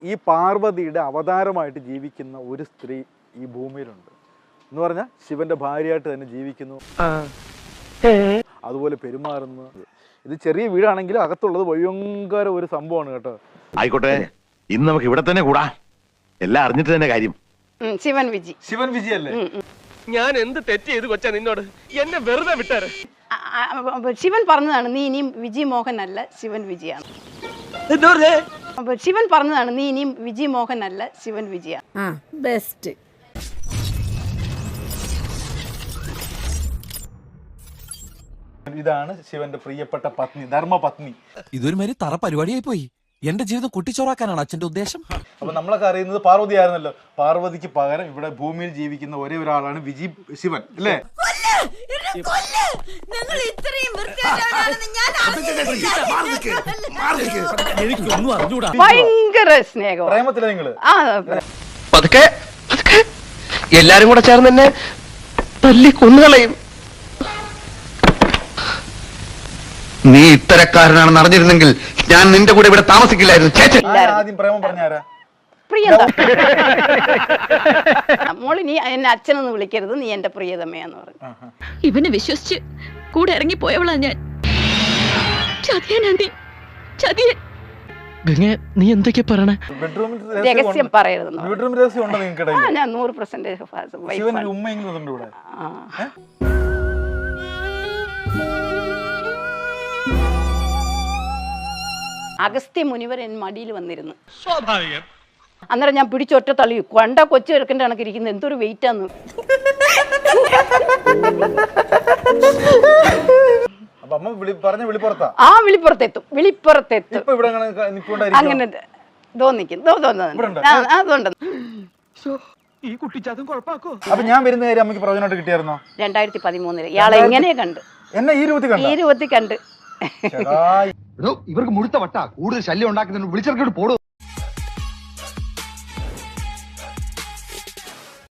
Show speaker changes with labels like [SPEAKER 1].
[SPEAKER 1] ഈ പാർവതിയുടെ അവതാരമായിട്ട് ജീവിക്കുന്ന ഒരു സ്ത്രീ ഈ ഭൂമിയിലുണ്ട് എന്ന് പറഞ്ഞാൽ ശിവന്റെ ഭാര്യയായിട്ട് തന്നെ ജീവിക്കുന്നു, അതുപോലെ പെരുമാറുന്നു. ഇത് ചെറിയ വീടാണെങ്കിലും അകത്തുള്ളത് ഭയങ്കര ഒരു സംഭവമാണ് കേട്ടോ.
[SPEAKER 2] ആയിക്കോട്ടെ, ഇന്ന് നമുക്ക് ഇവിടെ തന്നെ കൂടാ, എല്ലാം അറിഞ്ഞിട്ട് തന്നെ കാര്യം.
[SPEAKER 3] ശിവൻ വിജി.
[SPEAKER 1] ശിവൻ വിജി അല്ലേ?
[SPEAKER 4] ഞാൻ എന്ത് തെറ്റ് ചെയ്ത് കൊച്ചാ നിന്നോട്? എന്നെ വെറുതെ വിട്ടാര്.
[SPEAKER 3] ശിവൻ പറഞ്ഞതാണ് നീ ഇനിയും വിജി മോഹൻ അല്ല, ശിവൻ വിജിയാണ്. ശിവൻ പറഞ്ഞതാണ് നീ ഇനിയും വിജി മോഹൻ അല്ല, ശിവൻ വിജിയാണ്.
[SPEAKER 5] ബെസ്റ്റ്.
[SPEAKER 1] ഇതാണ് ശിവന്റെ പ്രിയപ്പെട്ട പത്നി, ധർമ്മപത്നി.
[SPEAKER 6] ഇതൊരു മാതിരി തറ പരിപാടിയായി പോയി. എന്റെ ജീവിതം കുട്ടിച്ചോറാക്കാനാണ് അച്ഛന്റെ ഉദ്ദേശം.
[SPEAKER 1] അപ്പൊ നമ്മളൊക്കെ അറിയുന്നത് പാർവതി ആയിരുന്നല്ലോ. പാർവതിക്ക് പകരം ഇവിടെ ഭൂമിയിൽ ജീവിക്കുന്ന ഒരേ ഒരാളാണ് വിജി ശിവൻ അല്ലേ?
[SPEAKER 6] എനിക്കൊന്നും അറിഞ്ഞൂടാ.
[SPEAKER 3] ഭയങ്കര സ്നേഹം,
[SPEAKER 1] പ്രേമത്തിലെ നിങ്ങള്
[SPEAKER 4] പതുക്കെ എല്ലാരും കൂടെ ചേർന്ന് എന്നെ തല്ലി കൊന്നുകളയും.
[SPEAKER 7] നീ ഇത്തരക്കാരനാണെന്ന് അറിഞ്ഞിരുന്നെങ്കിൽ ഞാൻ നിന്റെ കൂടെ ഇവിടെ താമസിക്കില്ലായിരുന്നു.
[SPEAKER 1] ആദ്യം പ്രേമം പറഞ്ഞാരാ?
[SPEAKER 3] പ്രിയത. മോളി നീ എന്നെ അച്ഛനൊന്ന് വിളിക്കരുത്, നീ എന്റെ പ്രിയതമയാന്ന് പറഞ്ഞു.
[SPEAKER 5] ഇവനെ വിശ്വസിച്ച് കൂടെ ഇറങ്ങി പോയവളാ ഞാൻ. ചതിയനാണ്ടി, ചതിയൻ.
[SPEAKER 4] നീ എന്തൊക്കെയാ പറയണേ?
[SPEAKER 1] ബെഡ്റൂമിൽ
[SPEAKER 3] രഹസ്യം പറയരുത്.
[SPEAKER 1] ബെഡ്റൂം രഹസ്യം ഉണ്ടോ നിങ്ങൾക്കിടയിൽ?
[SPEAKER 3] ഞാൻ 100%
[SPEAKER 1] ശിവൻ ഉമ്മയെങ്കിലും ഉണ്ട് ഇവിടെ.
[SPEAKER 3] അഗസ്ത്യ മുനിവർ എൻ മടിയിൽ വന്നിരുന്നു.
[SPEAKER 4] സ്വാഭാവികം.
[SPEAKER 3] അന്നേരം ഞാൻ പിടിച്ചൊറ്റ തള്ളി. കൊണ്ട കൊച്ചു എടുക്കേണ്ട കണക്കിരിക്കുന്നത് എന്തൊരു വെയിറ്റ് ആണ്.
[SPEAKER 1] അപ്പൊ അമ്മ പറഞ്ഞ വിളിപ്പുറത്താ?
[SPEAKER 3] ആ വിളിപ്പുറത്തെത്തും, വിളിപ്പുറത്തെത്തും.
[SPEAKER 1] ഇപ്പൊ ഇവിടെ
[SPEAKER 3] അങ്ങനെ തോന്നിക്കും. അതുകൊണ്ട്
[SPEAKER 4] ഈ കുട്ടിച്ചാത്തും കുഴപ്പാക്കോ?
[SPEAKER 1] അപ്പൊ ഞാൻ വരുന്ന കാര്യം അമ്മയ്ക്ക് പ്രയോജനമായിട്ട് കിട്ടിയായിരുന്നോ?
[SPEAKER 3] 2013 ഇയാളെ എങ്ങനെ കണ്ട്?
[SPEAKER 1] എന്നെ ഈ രൂപത്തിൽ
[SPEAKER 3] കണ്ട്.
[SPEAKER 7] ഇവർക്ക് മുഴുത്ത വട്ട കൂടുതൽ ശല്യം ഉണ്ടാക്കുന്നതിന് വിളിച്ചിറക്കിട്ട് പോടും.